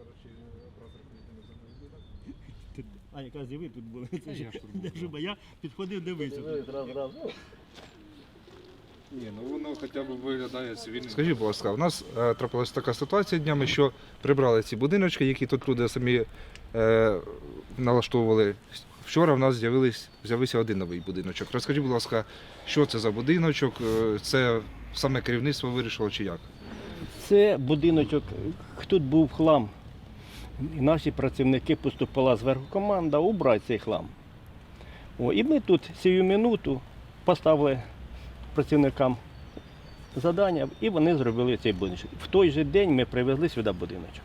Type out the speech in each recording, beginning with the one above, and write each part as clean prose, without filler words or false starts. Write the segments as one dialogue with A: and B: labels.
A: зараз ще оператор не за мною.
B: А якраз і ви тут були.
A: Я ж тут був.
B: Я підходив, дивився.
A: Ні, ну воно хоча б виглядає цивільним. Скажіть, будь ласка, у нас трапилася така ситуація днями, що прибрали ці будиночки, які тут люди самі налаштовували. Вчора в нас з'явився один новий будиночок. Розкажіть, будь ласка, що це за будиночок? Це саме керівництво вирішило чи як?
B: Це будиночок, тут був хлам. І наші працівники поступила зверху команда убрати цей хлам. І ми тут цю минуту поставили працівникам завдання, і вони зробили цей будиночок. В той же день ми привезли сюди будиночок.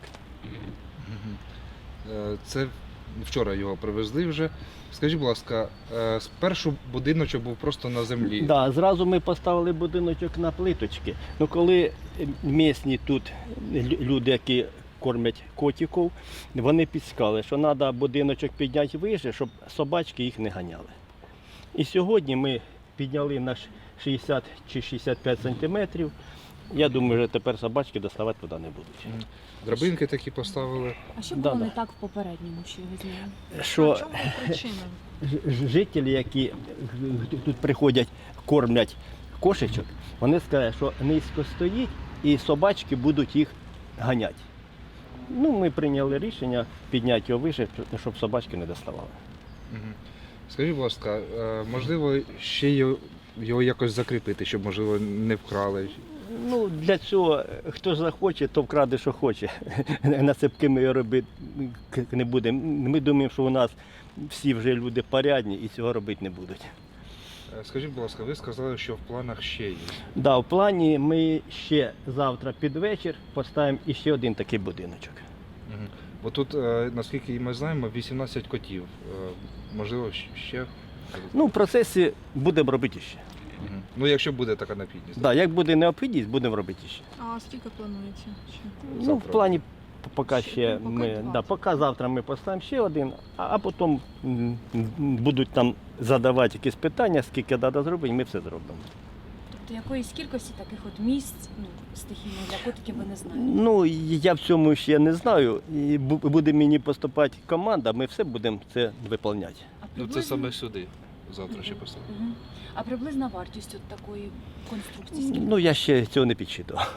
A: Це вчора його привезли вже. Скажіть, будь ласка, спершу будиночок був просто на землі.
B: Так, да, зразу ми поставили будиночок на плиточки. Ну, коли місні тут люди, які кормять котиків, вони підсказали, що треба будиночок підняти вище, щоб собачки їх не ганяли. І сьогодні ми підняли на 60 чи 65 сантиметрів. Я думаю, що тепер собачки доставати туди не будуть.
A: Драбинки такі поставили.
C: А що було не так в попередньому, що ви знаєте?
B: Що
C: В чому причина?
B: жителі, які тут приходять, кормлять кошечок, вони сказали, що низько стоїть і собачки будуть їх ганяти. Ну, ми прийняли рішення підняти його вище, щоб собачки не доставали.
A: Скажіть, будь ласка, можливо, ще його якось закріпити, щоб, можливо, не вкрали?
B: Ну, для цього, хто ж захоче, то вкраде, що хоче. На цепки ми його робити не будемо. Ми думаємо, що у нас всі вже люди порядні і цього робити не будуть.
A: Скажіть, будь ласка, ви сказали, що в планах ще є.
B: Да, в плані ми ще завтра під вечір поставимо іще один такий будиночок.
A: Бо тут, наскільки ми знаємо, 18 котів. Можливо, ще?
B: Ну, в процесі будемо робити ще.
A: Ну, якщо буде така необхідність.
B: Да, як буде необхідність, будемо робити ще.
C: А скільки планується?
B: Ну, в плані поки
C: Ще,
B: ще
C: поки
B: ми,
C: два.
B: да, поки завтра ми поставимо ще один, а потім будуть там задавати якісь питання, скільки треба зробити, ми все зробимо.
D: Тобто якоїсь кількості таких от місць, стихійних для котиків ви не знаєте?
B: Ну, я в цьому ще не знаю. І буде мені поступати команда, ми все будемо це виконувати.
D: А
A: Ну, це саме сюди. Завтра ще поставимо.
D: Мгм. А приблизна вартість от такої конструкції скільки?
B: Ну, я ще цього не підсчитував.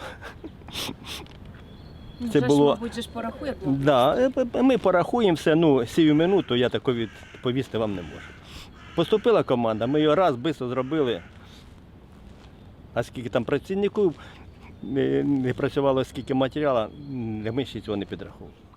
D: Ну,
B: це
D: вже
B: було-
D: ж, мабуть, же ж порахує блок.
B: Да, ми порахуємо все, ну, сію минуту я тако відповісти вам не можу. Поступила команда, ми його раз швидко зробили. А скільки там працівників не працювало, скільки матеріалу, ми ще цього не підраховували.